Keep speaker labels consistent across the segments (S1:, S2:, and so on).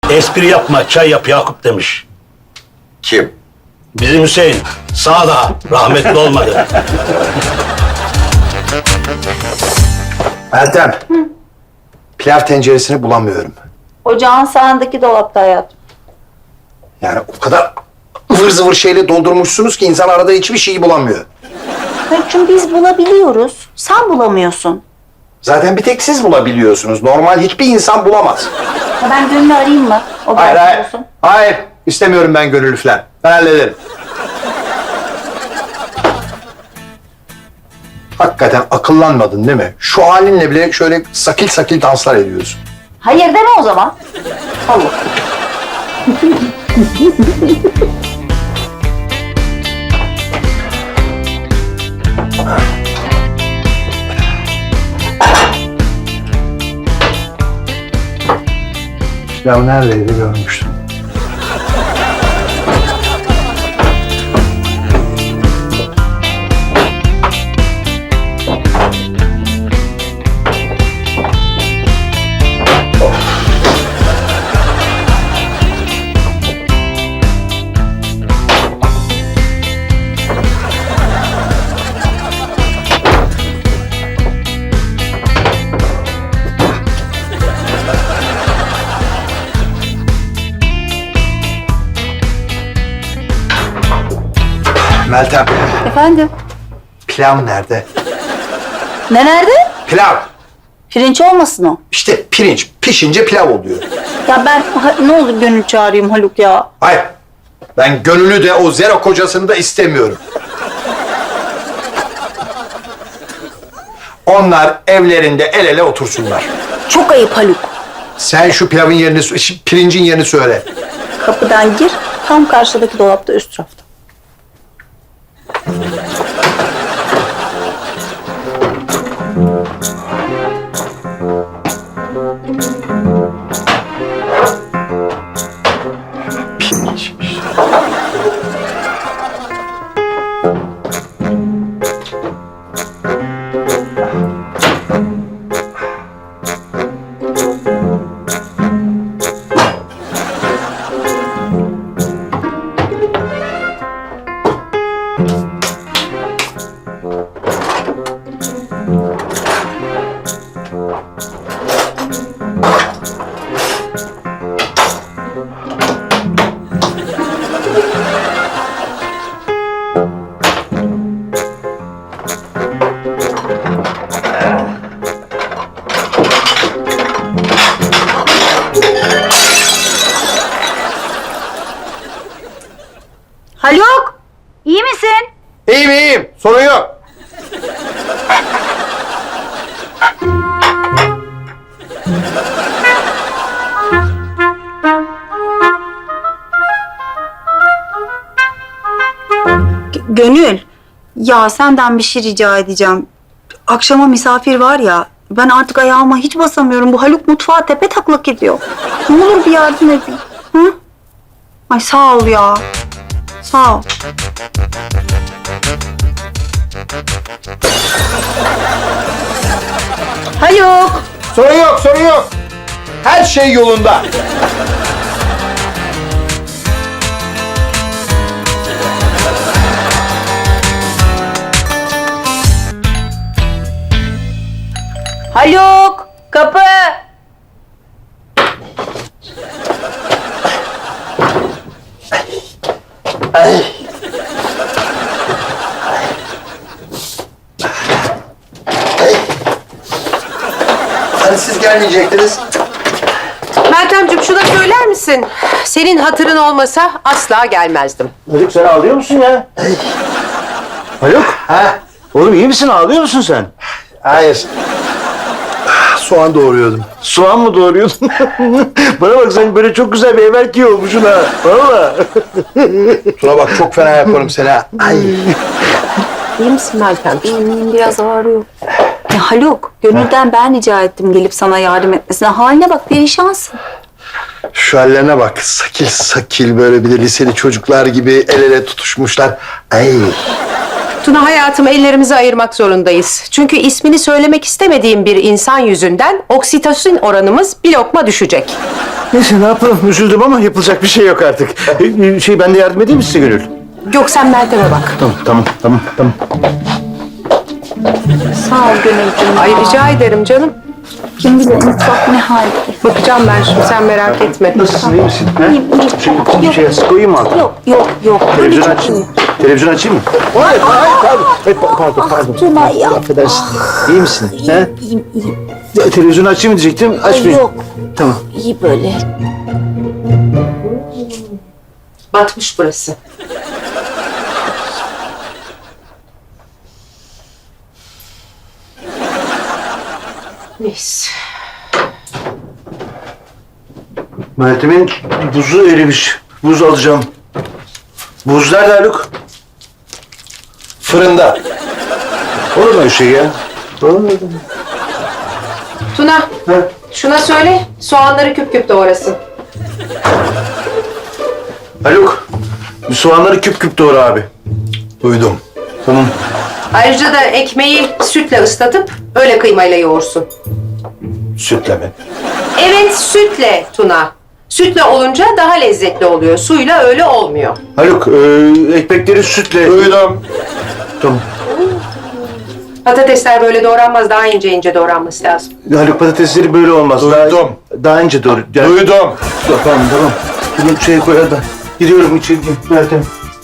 S1: Espri yapma, çay yap Yakup demiş.
S2: Kim?
S1: Bizim Hüseyin. Sağda, rahmetli olmadı.
S3: Meltem. Pilav tenceresini bulamıyorum.
S4: Ocağın sağındaki dolapta hayatım.
S3: Yani o kadar ıvır zıvır şeyle doldurmuşsunuz ki insan arada hiçbir şeyi bulamıyor.
S4: Haluk'cum biz bulabiliyoruz. Sen bulamıyorsun.
S3: Zaten bir tek siz bulabiliyorsunuz. Normal hiçbir insan bulamaz.
S4: Ya ben Gönül'ü arayayım mı? O
S3: Hayır,
S4: belki
S3: hayır.
S4: olsun.
S3: Hayır. İstemiyorum ben gönüllü falan. Ben hallederim. Hakikaten akıllanmadın değil mi? Şu halinle bile şöyle sakil sakil danslar ediyorsun.
S4: Hayır deme o zaman. Allah.
S3: Ya neredeydi görmüştüm. Meltem,
S4: Efendim?
S3: pilav nerede?
S4: Ne nerede?
S3: Pilav.
S4: Pirinç olmasın o.
S3: İşte pirinç pişince pilav oluyor.
S4: Ya ben ne olur Gönül çağırayım Haluk ya.
S3: Hayır. Ben gönüllü de o zero kocasını da istemiyorum. Onlar evlerinde el ele otursunlar.
S4: Çok ayıp Haluk.
S3: Sen şu pilavın yerini, pirincin yerini söyle.
S4: Kapıdan gir, tam karşıdaki dolapta üst rafta.
S3: Pirinçmiş.
S4: Haluk, iyi misin?
S3: İyiyim iyiyim. Sorun yok.
S4: Gönül, ya senden bir şey rica edeceğim. Akşama misafir var ya, ben artık ayağıma hiç basamıyorum. Bu Haluk mutfağa tepe taklak ediyor. Ne olur bir yardım edin. Hı? Ay sağ ol ya. Sağ ol. Haluk.
S3: Sorun yok, sorun yok. Her şey yolunda.
S4: Haluk, kapı.
S3: Hani siz gelmeyecektiniz?
S5: Meltemciğim şuna söyler misin? Senin hatırın olmasa asla gelmezdim.
S6: Haluk sen ağlıyor musun ya? Haluk?
S3: Ha?
S6: Oğlum iyi misin? Ağlıyor musun sen?
S3: Hayır. Soğan doğruyordum.
S6: Soğan mı doğruyordun? Bana bak sen böyle çok güzel bir everki olmuşsun ha. Valla.
S3: Tuna bak çok fena yaparım seni ha. Ay.
S5: İyi misin Meltem?
S4: Biraz ağrıyor. Ya Haluk, Gönül'den ben rica ettim gelip sana yardım etmesine. Haline bak, perişansın.
S3: Şu hallerine bak. Sakil sakil böyle bir de liseli çocuklar gibi el ele tutuşmuşlar. Ay.
S5: Tuna hayatım ellerimizi ayırmak zorundayız. Çünkü ismini söylemek istemediğim bir insan yüzünden oksitosin oranımız bir lokma düşecek.
S6: Neyse ne yapalım üzüldüm ama yapılacak bir şey yok artık. Ben de yardım edeyim mi size Gönül?
S5: Yok sen Meltem'e bak.
S6: Tamam.
S4: Sağ ol Gönülcüğüm.
S5: Ay rica ederim canım.
S4: Kim bilir mutfak ne halde.
S5: Bakacağım ben şimdi sen merak etme.
S6: Nasılsın iyi misin?
S4: İyiyim.
S6: Bir şey koyayım mı altına?
S4: Yok. Böyle
S6: Televizyon
S4: çok
S6: açayım
S4: iyi.
S6: mı? Televizyon açayım mı? Hayır, pardon.
S4: Tuna ya.
S6: Affedersin. İyi misin? He?
S4: İyiyim.
S6: Televizyonu açayım mı diyecektim. Açmayayım.
S4: Yok.
S6: Tamam.
S4: İyi böyle.
S5: Batmış burası. Neyse.
S6: Meltem'in buzu erimiş. Buz alacağım. Buz nerede Haluk?
S3: Fırında.
S6: Olur mu öyle şey ya? Olur mu?
S5: Tuna
S6: Ha?
S5: şuna söyle soğanları küp küp doğrasın.
S6: Haluk, bir soğanları küp küp doğra abi.
S3: Duydum.
S6: Tamam.
S5: Ayrıca da ekmeği sütle ıslatıp öyle kıymayla yoğursun.
S3: Sütle mi?
S5: Evet sütle Tuna. Sütle olunca daha lezzetli oluyor. Suyla öyle olmuyor.
S6: Haluk, ekmekleri sütle...
S3: Duydum.
S6: Tamam.
S5: Patatesler böyle doğranmaz. Daha ince ince doğranması lazım.
S6: Haluk patatesleri böyle olmaz.
S3: Duydum.
S6: Daha ince doğru.
S3: Duydum.
S6: Tamam. Bunu şeye koy hadi. Gidiyorum içeri. Meltem.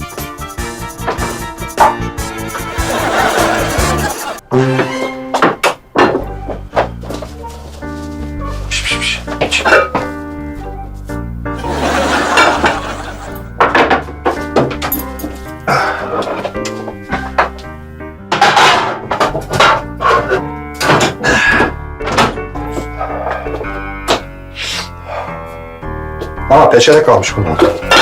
S3: Aa peçete kalmış bunun.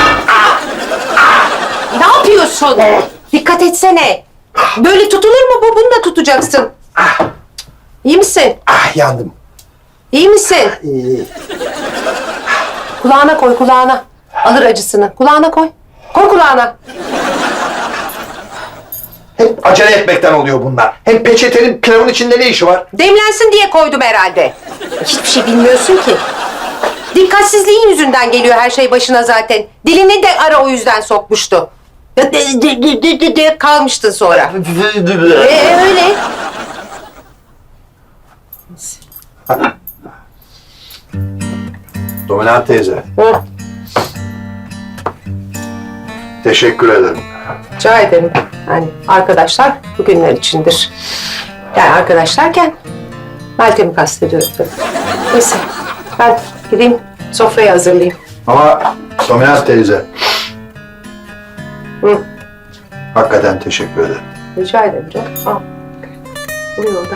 S5: Ne yapıyorsun? Dikkat etsene. Böyle tutulur mu bu? Bunu da tutacaksın. İyi misin?
S3: Ah yandım.
S5: İyi misin? Kulağına koy, kulağına. Alır acısını. Kulağına koy. Koy kulağına.
S3: Hep acele etmekten oluyor bunlar. Hem peçetenin pilavın içinde ne işi var?
S5: Demlensin diye koydum herhalde. Hiçbir şey bilmiyorsun ki. Dikkatsizliğin yüzünden geliyor her şey başına zaten. Dilini de ara o yüzden sokmuştu. Kalmıştın sonra. Öyle.
S3: Dominant teyze.
S5: Hı,
S3: Teşekkür ederim.
S5: rica ederim. Yani arkadaşlar bugünler içindir. Yani arkadaşlarken Meltem'i kastediyorum tabii. Neyse ben gideyim sofrayı hazırlayayım.
S3: Ama Dominant teyze.
S5: Hı.
S3: Hakikaten teşekkür ederim.
S5: Rica ederim canım. Al. Buyur orada.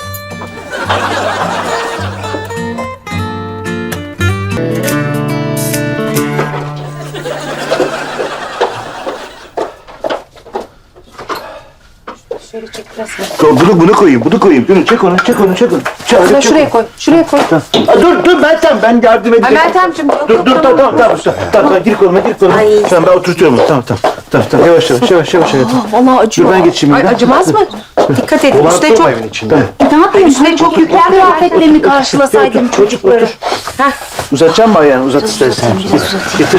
S5: Şöyle çek biraz.
S6: Bunu koyayım. Gönül çek onu.
S5: Şuraya, şuraya koy. Şuraya koy.
S6: Dur Meltem ben yardım
S5: Ay
S6: edeceğim.
S5: Meltemciğim.
S6: Dur tamam gir koluma. Tamam ben oturtuyorum onu. Tamam yavaş.
S4: Vallahi acıyor.
S6: Dur ben geçeyim.
S5: Ay
S6: ya.
S5: acımaz mı? Dikkat edin.
S3: Dolanıp
S5: Üstüne
S3: durma
S5: çok...
S3: evin içinde.
S4: Ne yapayım?
S5: Üstüne çok yüklen
S4: Kıyafetlerini karşılasaydım çocukları.
S6: Uzatacağım mı ayağını? Uzat istersen. Getir.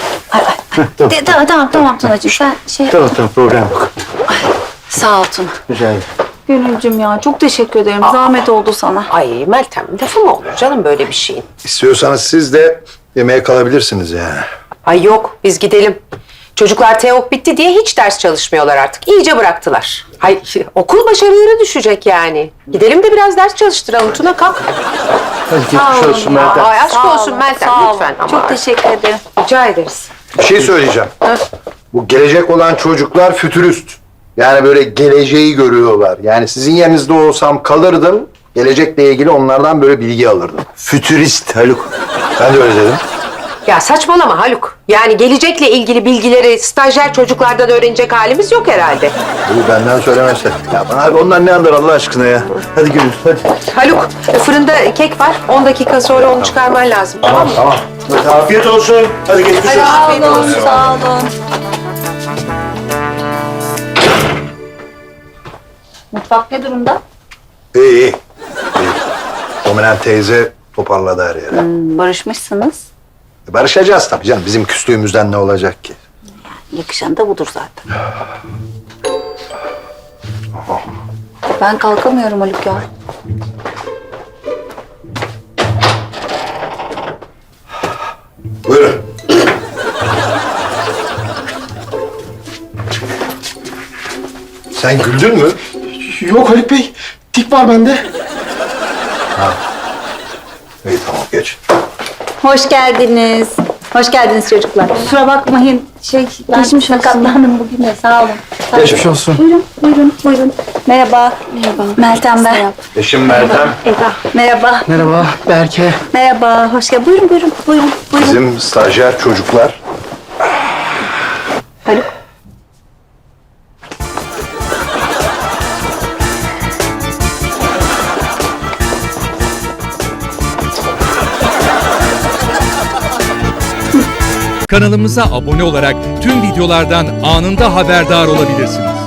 S4: Tamam Tunacığım sen şey...
S6: Tamam problem yok.
S4: Sağ ol Tuna.
S6: Rica ederim.
S4: Gönülcüm ya çok teşekkür ederim. Zahmet oldu sana.
S5: Ay Meltem lafı mı olur canım böyle bir şeyin?
S3: İstiyorsanız siz de yemeğe kalabilirsiniz yani.
S5: Ay yok biz gidelim. Çocuklar TEOK bitti diye hiç ders çalışmıyorlar artık. İyice bıraktılar. Hay okul başarıları düşecek yani. Gidelim de biraz ders çalıştıralım. Tuna kalk.
S6: Hadi geçmiş olsun Meltem.
S5: Ay aşk
S4: Sağ
S5: olsun
S4: olun,
S5: Meltem
S4: sağ olun.
S5: lütfen. Ama
S4: Çok teşekkür ederim.
S5: rica ederiz.
S3: Bir şey söyleyeceğim. Bu gelecek olan çocuklar fütürist. Yani böyle geleceği görüyorlar. Yani sizin yerinizde olsam kalırdım. Gelecekle ilgili onlardan böyle bilgi alırdım.
S6: Fütürist Haluk.
S3: Ben de öyle dedim.
S5: Ya saçmalama Haluk. Yani gelecekle ilgili bilgileri stajyer çocuklardan öğrenecek halimiz yok herhalde.
S3: Bu benden söylemezse.
S6: Ya bana abi onlar ne anlar Allah aşkına ya. Hadi Gönül hadi.
S5: Haluk fırında kek var. 10 dakika sonra onu çıkarman lazım. Tamam mı?
S3: Tamam.
S6: Hadi afiyet olsun. Hadi geçmiş olsun.
S5: Afiyet olsun.
S4: Sağ olun. Mutfak ne durumda?
S3: İyi. Dominant teyze toparladı her yere.
S4: Barışmışsınız.
S3: Barışacağız tabii canım. Bizim küslüğümüzden ne olacak ki?
S4: Yakışan da budur zaten. Ben kalkamıyorum Haluk ya.
S3: Buyurun. Sen güldün mü?
S6: Yok Haluk Bey. Tik var bende.
S3: İyi tamam geç.
S4: Hoş geldiniz. Hoş geldiniz çocuklar. Kusura bakmayın. Geçmiş sakatlandım bugün de. Sağ olun.
S6: Geçmiş olsun.
S4: Buyurun. Merhaba. Merhaba. Meltem ben.
S3: Eşim Meltem.
S4: Merhaba.
S6: Merhaba Berke.
S4: Merhaba. Hoş geldin. Buyurun.
S3: Bizim stajyer çocuklar.
S4: Haluk.
S2: Kanalımıza abone olarak tüm videolardan anında haberdar olabilirsiniz.